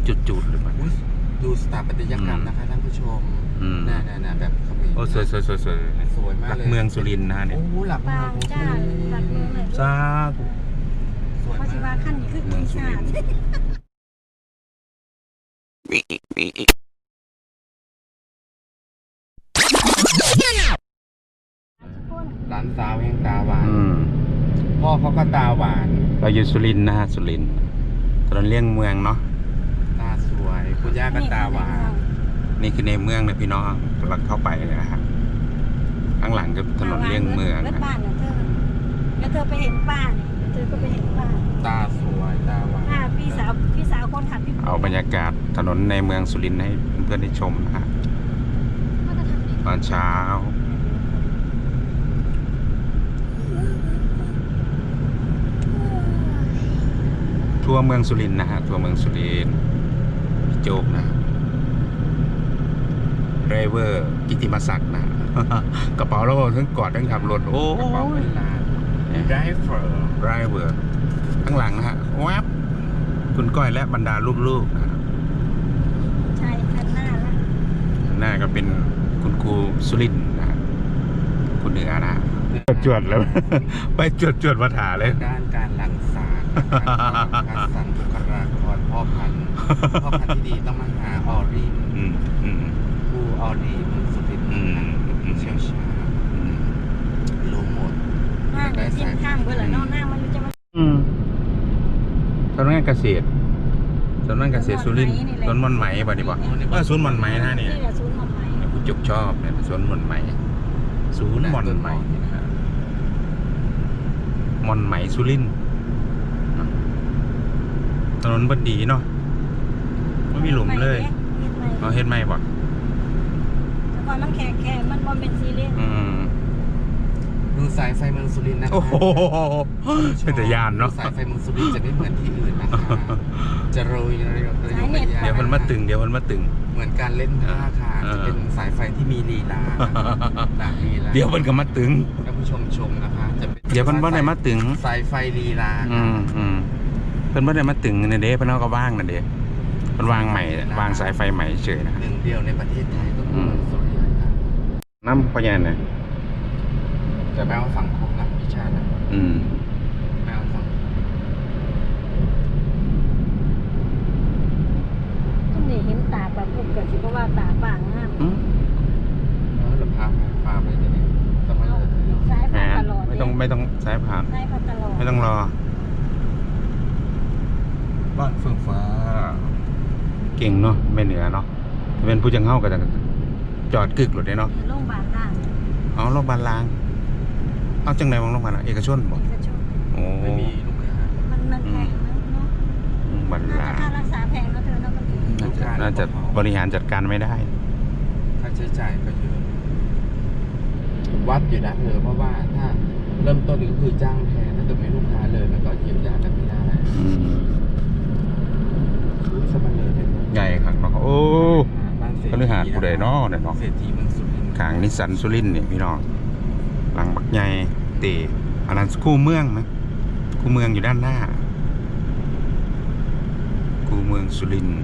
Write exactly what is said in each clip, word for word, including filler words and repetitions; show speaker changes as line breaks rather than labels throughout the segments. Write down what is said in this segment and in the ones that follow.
จุดๆหรือเปล่า
ดูสถาปัตยกรรมนะคะท่านผู้ชมน่าๆแบบเขมร
โอ้สวยสวยสวยสวย
สวยมากเลย
หลักเมืองสุรินทร์นะเนี่ย
โอ้หลักเมือง
จ้าหลักเมืองเลย
จ้า
สวย
เพราะชิวาขั้นนี้คือกินชาติ
ร้านสาวแห่งตาหวานพ่อเขาก็ตาหวาน
เราอยู่สุรินทร์นะฮะสุรินทร์ถนนเลี่ยงเมืองเนาะ
ตาสวยคุณย่าก็ตาหวาน
นี่คือในเมืองนะพี่น้องกำลังเข้าไปนะฮะข้างหลังก็ถนนเลี่ยงเมืองนะ
บ้านนะเธอแล้วเธอไปเห็นป้าเนี่ยเธอก็ไปเห็นป้า
ตาสวยตาหวาน
พี่สาวพี่สาวคนขับพี่
เอาบรรยากาศถนนในเมืองสุรินทร์ให้เพื่อนๆได้ชมนะฮะตอนเช้าทั่วเมืองสุรินทร์นะฮะทั่วเมืองสุรินทร์พี่โจ๊กนะไดรเวอร์กิติมศักดิ์นะกระเป๋าแล้วทั้งกอดทั้งขับรถโอ้
กระเป๋าเป็นล้านไดรเวอร์
ไดรเวอร์ข้างหลังนะฮะแวบคุณก้อยและบรรดาลูกๆนะ
ใช่คันหน้าละ
หน้าก็เป็นคุณครูสุรินทร์นะคุณเหนือนะจวดแล้วไปจวดจวดมาถาเลย
ด้านการหลั่งสารการสั่งบุคลากรพ่อพันธุ์พ่อพันธุ์ที่ดีต้องมาหาออรีนผู้ออรีนสุรินทร์เชี่ยวชาญรู้หมด
ได้สายข้างเบื่อแล้วนอกหน้ามันจะมา
สำนักงานเกษตรสำนักงานเกษตรสุรินทร์สวนมอนไหมบ่ดีบ่ว่าสวนมอนไหมนะเนี่ยผู้จุกชอบเนี่ยสวนมอนไหมศูนย์มอนไหมนะฮะมอนไหมสุรินทร์ถนนบดีเนาะไม่มีหลุมเลยเราเห็นไหมบ่
แต่ก่อนมันแข็งแข็งมันบอมเป็นซีเรียส
ดูสายไฟเมืองสุรินทร์นะคะ
โอ้โหเป็นแต่ยานเนาะ
สายไฟเมืองสุรินทร์จะไม่เหมือนที่อื่นนะคะจะโรยระยะระยะ
เดี๋ยวมันมาตึงเดี๋ยวมันมาตึง
เหมือนการเล่นผ้าค่ะจะเป็นสายไฟที่มีลีลา
เดี๋ยวมันก็มาตึง
ท่านผู้ชมชมนะคะจะเป็น
เดี๋ยวมันบ่ได้มาตึง
สายไฟลีลา
อืมอืมเพิ่นบ่ได้มาตึงในเด้เพิ่นเอาก็ว่างนั่นเด้เพิ่นวางใหม่วางสายไฟใหม่เฉยนะ
หนึ่งเดียวในประเทศไทยก็คือเมืองสุรินทร์
น้ำพญานาค
จะไม่เอาสังคมนะพิชานะ
อืม
ไม่เอาสัง
ต้องเห็นตาแบบพวกเกิดสิเพราะว่าตาบางมาก
อืมแล้วเราพาพาไปที่ไหนต้องไม่
สายผ่านตลอด
ไม่ต้องไม่ต้องสายผ่าน
สายผ่านตลอด
ไม่ต้องรอบ้านเฟื่องฟ้าเก่งเนาะไม่เหนือเนาะเป็นผู้จังเฮ้ากันจอดกึกหลุดได้เนาะ
โรงพยาบาลล่าง
อ๋อโรงพยาบาลล่างเอาจังไหนมองโรงพยาบาลเอกชนบ่โอ้
ไม่มีลูกค้า
มันมันแพงเนาะ
บัลลา
ค่ารักษาแพงแล้วเธอเนาะ
ก็น่าจะบริหารจัดการไม่ได้
ค่าใช้จ่ายก็เยอะวัดอยู่นะเธอเพราะว่าถ้าเริ่มต้นก็คือจ้างแพงถ้าเกิดไม่ลูกค้าเลยมันก็เยียวยากันไม่ได้สมัยเลย
ใหญ่ครับเนาะโอ้ก็เลยหาผู้ใดเนาะเนี่ยเนาะ
เศรษฐีเมืองสุรินทร์
ขางนิสสันสุรินทร์เนี่ยพี่น้องหลังบักใหญ่เตะอันนั้นคู่เมืองไหมคู่เมืองอยู่ด้านหน้าคู่เมืองสุรินทร์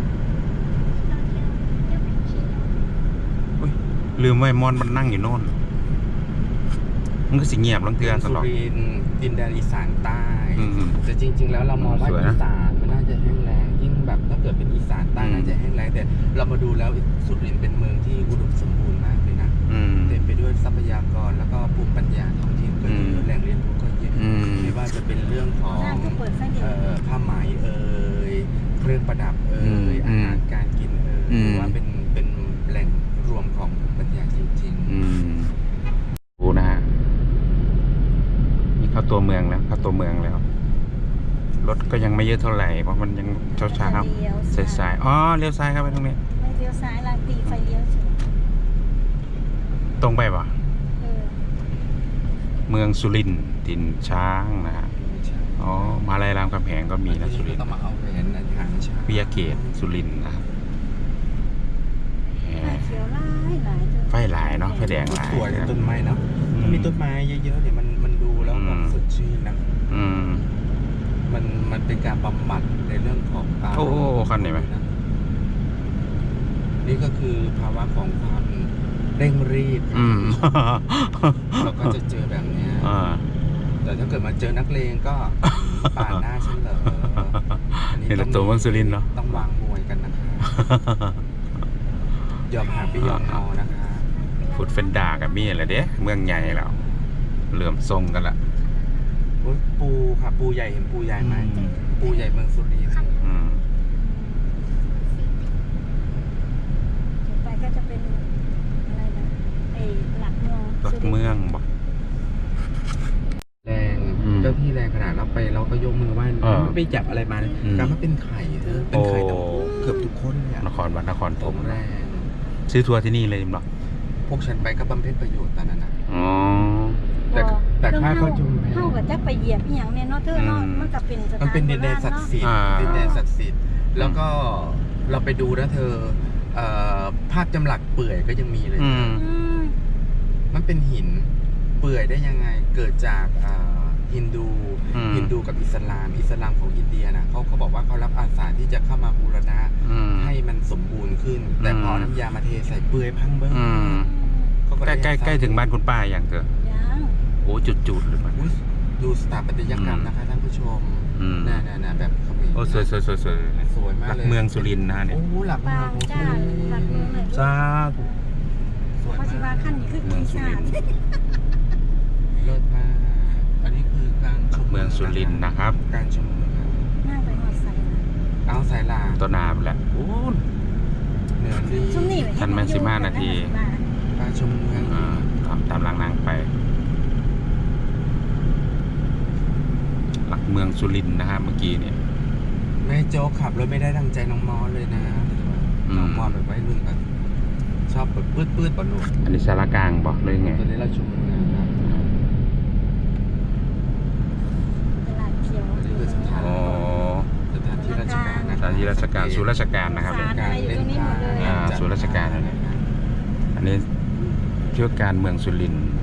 ลืมไว้มอนมันนั่งอยู่โน่นมันก็สิเงียบลังเตือนตลอด
สุรินทร์ดินแดนอีสานใต้แต่จริงๆแล้วเรามองว่าอีสานมันน่าจะแห้งแล้งยิ่งแบบถ้าเกิดเป็นอีสานใต้น่าจะแห้งแล้งแต่เรามาดูแล้วสุรินทร์เป็นเมืองที่อุดมสมบูรณ์มากเลยนะเต็มไปด้วยทรัพยากรแล้วก็ภูมิปัญญาท้องถิ่นก็เยอะแหล่งเรียนรู้ก็เยอะไม่ว่าจะเป็นเรื่องของผ้าไหมเอ่ยเครื่องประดับเอ่ยอาหารการกินเอ่ยหรือว่าเป็นเป็นแหล่งรวมของภูมิปัญญาจริง
ๆดูนะฮะนี่เข้าตัวเมืองแล้วเข้าตัวเมืองแล้วรถก็ยังไม่เยอะเท่าไหร่เพราะมันยังเช้าเช้าสายๆอ๋อเลี้ยวซ้ายครับไปตรงนี้
ไม่เลี้ยวซ้ายลางตีไฟเลี้ยว
ตรงไปป่ะเมืองสุรินทร์ถิ่นช้างนะฮะอ๋อมาลายรามคำแหงก็มีนะสุรินทร์วิยาเกตสุรินทร์นะครับไฟหลายเนาะไฟแดงหลาย
สวยต้นไม้เนาะถ้ามีต้นไม้เยอะๆเนี่ยมันมันดูแล้วแบบสดชื่นนะ
อืม
มมันมันเป็นการบำบัดในเรื่องของการ
โอ้คันไหนไหม
นี่ก็คือภาวะของความเร่งรีบ
อืม
เราก็จะเจอแบบเนี้ย
อ่า
แต่ถ้าเกิดมาเจอนักเลงก็ปาดหน้าฉันเหรออันนี้
เห็นแต่ตัวเมืองสุรินทร์เนาะ
ต้องวางมวยกันนะคะยอมหาพี่ยอมงอนะคะ
ฟุตเฟนดากับมี่แหละเด้เมืองใหญ่แล้วเหลื่อมทรงกันละ
โอ๊ยปูค่ะปูใหญ่เห็นปูใหญ่ไหมปูใหญ่เมืองสุรินทร์
อืม
ไปก็จะเป็นอะไรนะไอ้หลักเมือง
หลักเมืองบอก
แรง
อืม
เจ้าที่แรงขนาดเราไปเราก็ยกมือไหว้
เออ
ไม่ไปจับอะไรมา
อืม
การมาเป็นไข่เธอเป็นไข่ต้อง
โอ้
เกือบทุกคนเลยอะ
นครวัดนคร
ผ
ธม
มแรง
ซื้อทัวร์ที่นี่เลยมั้ง
พวกฉันไปก็บำเพ็ญประโยชน์ตอนนั้นนะ
อ๋อ
แต่แต่ค่าเข้าชมแพง
เท่ากับจะไปเหยียบอีหยังเนี่ยเนาะเธอเนาะ
อืม
มันก็เป็นสถาน
มันเป็นดินแดนศักดิ์สิทธิ์
อ่า
ดินแดนศักดิ์สิทธิ์แล้วก็เราไปดูนะเธอเอ่อภาพจำหลักเปื่อยก็ยังมีเลย
อืม
อืม
มันเป็นหินเปื่อยได้ยังไงเกิดจากอ่าฮินดู
อืม
ฮินดูกับอิสลาม อิสลามของอินเดียนะเขาเขาบอกว่าเขารับอาสาที่จะเข้ามาบูรณะ
อืม
ให้มันสมบูรณ์ขึ้น แต่พอ
อืม
น้ำยามาเทใส่เปื่อยพังเบิ้ง
อืม
เขาก็
ใกล้
ได้
ใกล้ใกล้ถึงบ้านคุณป้าอย่างเถอะ
ยัง
โอ้จุดจุดๆเลยมัน
อุ๊ยดูสถาปัตยกรรมนะคะท่านผู้ชม
อืม
น่าๆๆแบบเขมร
โอ้สวยสวยสวยสวย
สวยมาก
หลัก
เลย
เมืองสุรินทร์นะเนี่ย
โอ้หลักเมื
บา
อง
งจ้าหลักเมืองเลย
สาธุ
สวย
พระศิวาม
าก
ขั้นนี้คือกีชาติ
เลิศมากอันนี้คือการ
ห
ช
ลัก
ม
เมืองสุรินทร์นะครับ
การชมเมือง
นั่งไปหอดใส่นะ
เอาสายลา
ต้นนาไปแหละโอ้
เหนือดี
ช่วงนี้
ทันไหมสิบห้านาที
การชมเมือง
อ่าตามตามหลังนางไป หลักเมืองสุรินทร์นะฮะเมื่อกี้เนี่ย
แม่โจ๊กขับรถไม่ได้ดังใจน้องมอสเลยนะ
อืม
น้องมอสแบบไว้รุ่นแบบชอบแบบปืดปืดๆปะหนุ่ม
อันนี้สารกลางบอกเลยไง
ตอนนี้เราชมเมืองครับ
ตลาดเขียว
อันนี้คือสถาน
อ๋อ
สถานที่ราชการนะ
สถานที่ราชการศูนย์ราชการนะครับ
ศาลอะไรอยู่ตรงนี้หมดเลย
อ่าศูนย์ราชการอะไร อันนี้เชื่อการเมืองสุรินทร์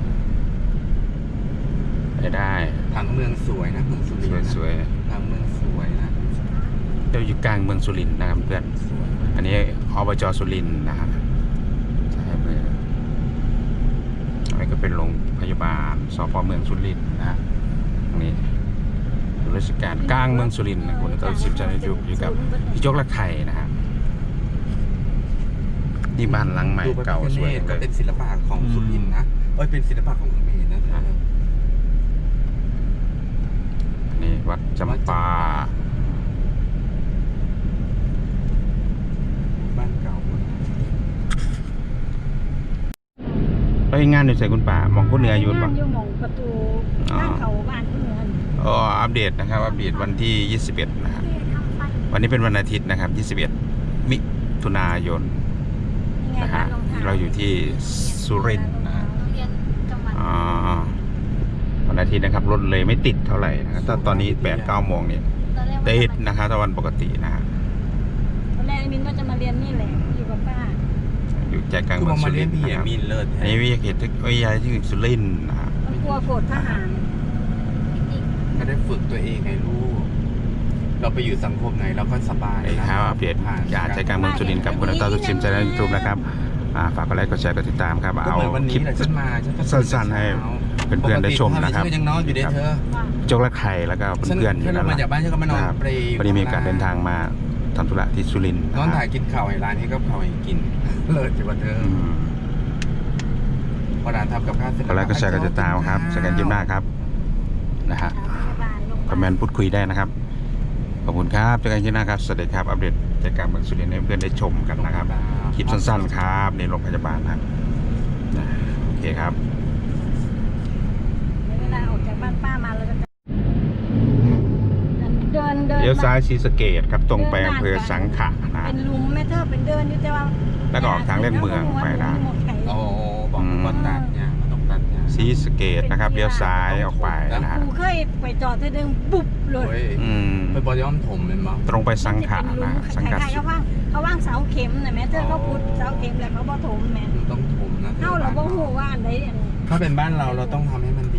ไปได้
ผังเมืองสวยนะเมืองสุรินทร์นะ
สวย
ผังเมืองสวยนะ
ๆเราอยู่กลางเมืองสุรินทร์นะครับเพื่อน
สวยมาก
อันนี้อบจสุรินทร์นะครับใช่เมืองอันนี้ก็เป็นโรงพยาบาลสพเมืองสุรินทร์นะฮะตรงนี้ศูนย์ราชการกลางเมืองสุรินทร์นะคุณก็สิบจันทร์อยู่อยู่กับพี่โจ๊กละไข่นะฮะนี่บ้านหลังใหม่
ดูพระ
เก่า
พิฆ
สวย
เนศ
เล
ก็
ย
เป็นศิลปะของสุรินทร์นะเอ้ยเป็นศิลปะของเขมรนะเธอ
อันนี้วัดจำปา
บ้านเก่า
ไปงานอยู่ใส่คุณป่ามองคุณเหนืออยู่
บ้า
ปะ
นอยู่หม่องประตูทางเขาบ้านผู้เหนือนี่
อ๋ออัปเดตนะครับ อัปเดตวันที่ยี่สิบเอ็ดนะครับวันนี้เป็นวันอาทิตย์นะครับยี่สิบเอ็ดมิถุนายน
นี่ไง
นะ
บ้า
ฮะ
นรองเท้า
เราอยู่ที่สุรินทร์นะฮะ
โรงเรียนจังหวัด
อ๋อวันอาทิตย์นะครับรถเลยไม่ติดเท่าไหร่นะครับถ้าตอนนี้แปดเก้าโมงเนี่ย
ตอนแรกว่า
ติด
จะมา
นะครับถ้าวันปกตินะฮะ
ตอนแรกไอ้มินว่าจะมาเรียนนี่แหละอยู่กับป้า
อยู่ใจกลาง
คือ
เมื
ม
อ
อง ง
สุ
มา
ริ
เล่
น
น
ทร์
พี่
นะ
เอ
ครับ
มินเลิศ
อันนี้วิทยาเขตวิทยาที่สุรินทร์นะฮะ
มันกลัวโกรธทหาร
ก็ได้ฝึกตัวเองไงลูก เราไปอยู่สังคมไหนเราก็สบาย
นี่ครับอัปเดตอย่าใจกลางเมืองสุรินทร์กับคุณนักต่อทุกชิมใจในยูทูบนะครับอ่าฝากกดไลค์กดแชร์กดติดตามครับ
ก็
เอา
เหมือนวัน
คลิ
นี้
ป
แหละฉันมาฉันก็
สั้นๆให้เพื่อนๆได้ชมนะครับ
ปกติยังนอนอยู่เด้อเธอ
ว่า
โจ๊กและไข่แล้วก็
ฉัน
เพื่อนๆอยู่
ฉัน
นั่นแห
มา
ละ
จากบ้านฉันก็มานอน
ครับ
เปรย์
พอดีมีโอกาสเดินทางมาทำธุระที่สุรินทร์
นอน
นะ
ถ่า
ฮะ
ยกินข้าวไอ้ร้านนี้ก็ข้าวให้กิน เลิศอยู่ว่าเธอ
อืม
พอร้านทำกับข้าวเสร็จ
กดไลค์กดแชร์กดติดตามครับเจอกันยิ้มหน้าครับนะฮะ
พยาบาลโรงพยา
ค
บา
อ
ล
มเมนต์พูดคุยได้นะครับขอบคุณครับเจอกันยิ้มหน้าครับสวัสดีครับอัปเดตใจกลางเมืองสุรินทร์ให้เพื่อนได้ชมกันนะครับคลิปสั้นๆครับในโรงพยาบาลนะครับนะโอเคครับ
เวลาออกจากบ้านป้ามาเราจะเดินเดิน
เลี้ยวซ้ายศรีสะเกษครับตรงไปอำเภอสังขะนะ
เป็นลุมแม่เธอเป็นเดินอยู่แต่ว่า
แล้วก็ออกทางเลี่ยงเมืองไปนะ
โอ้บอกว่าตัดเนี่ยมันต้องตัดเนี่ย
ศรีสะเกษนะครับเลี้ยวซ้ายออกไปนะฮะ
กูเคยไปจอดเธอเดินบุบเลย
โอ้ย
อืม
ไปบอย้อมผมเป็นมั้ง
ตรงไปสังขะนะสังขะ
ใครๆเขาว่างเขาว่างเสาเข็มนะแม่เธอเขาพุดเสาเข็มแล้วเขาบ่ถมแม่
มันต้องถมนะ
เข้าเราบ่ฮู้ว่าอันใดอันนี้
ถ้าเป็นบ้านเราเราต้องทำให้มัน